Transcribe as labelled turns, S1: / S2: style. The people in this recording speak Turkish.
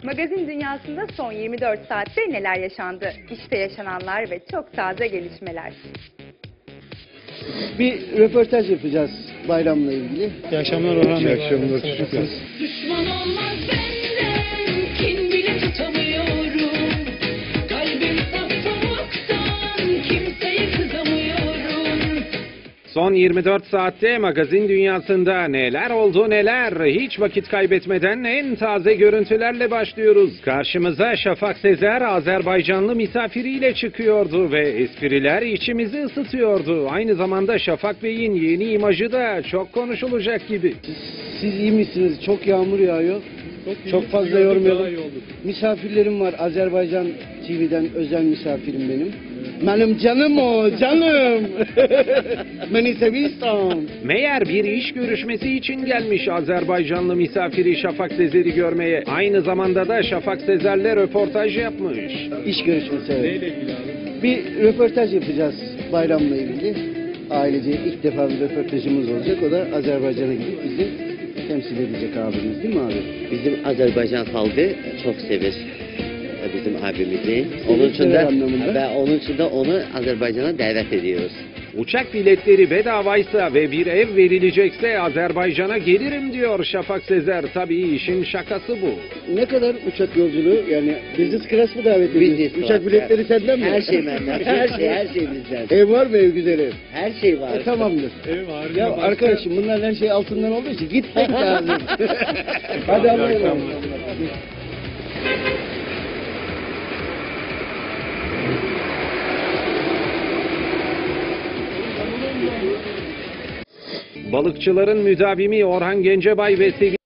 S1: Magazin dünyasında son 24 saatte neler yaşandı? İşte yaşananlar ve çok taze gelişmeler.
S2: Bir röportaj yapacağız bayramla ilgili.
S3: İyi akşamlar Orhan Bey.
S2: İyi akşamlar, çocuklar.
S4: Düşman olmaz benden, kin bile tutamıyorum. Kalbim saf pamuktan, kimseye kızamıyorum.
S5: Son 24 saatte magazin dünyasında neler oldu neler. Hiç vakit kaybetmeden en taze görüntülerle başlıyoruz. Karşımıza Şafak Sezer Azerbaycanlı misafiriyle çıkıyordu ve espriler içimizi ısıtıyordu. Aynı zamanda Şafak Bey'in yeni imajı da çok konuşulacak gibi.
S2: Siz iyi misiniz? Çok yağmur yağıyor. Çok fazla yormayalım. Misafirlerim var. Azerbaycan TV'den özel misafirim benim. Benim canım o, canım. Beni seviyorsan.
S5: Meğer bir iş görüşmesi için gelmiş Azerbaycanlı misafiri Şafak Sezer'i görmeye. Aynı zamanda da Şafak Sezer'le röportaj yapmış.
S2: İş görüşmesi. Evet.
S3: Neyle ilgili abi?
S2: Bir röportaj yapacağız bayramla ilgili. Ailece ilk defa bir röportajımız olacak. O da Azerbaycan'a gidip bizi temsil edecek abimiz, değil mi abi?
S6: Bizim Azerbaycan halkı çok sever bizim abimizi.
S2: Sever anlamında.
S6: Ve onun için de onu Azerbaycan'a davet ediyoruz.
S5: Uçak biletleri bedavaysa ve bir ev verilecekse Azerbaycan'a gelirim diyor Şafak Sezer. Tabii işin şakası bu.
S2: Ne kadar uçak yolculuğu, yani business class mı davet ediyorsun?
S6: Business class,
S2: Uçak biletleri senden mi?
S6: Her şey benden. Her şey bizden.
S2: Ev var mı, ev güzeli?
S6: Her şey var.
S2: Tamamdır.
S3: Ev var.
S2: Ya
S3: başka-
S2: arkadaşım, bunlar her şey altından olduğu için gitmek lazım. Hadi alalım.
S5: Balıkçıların müdavimi Orhan Gencebay ve sevgili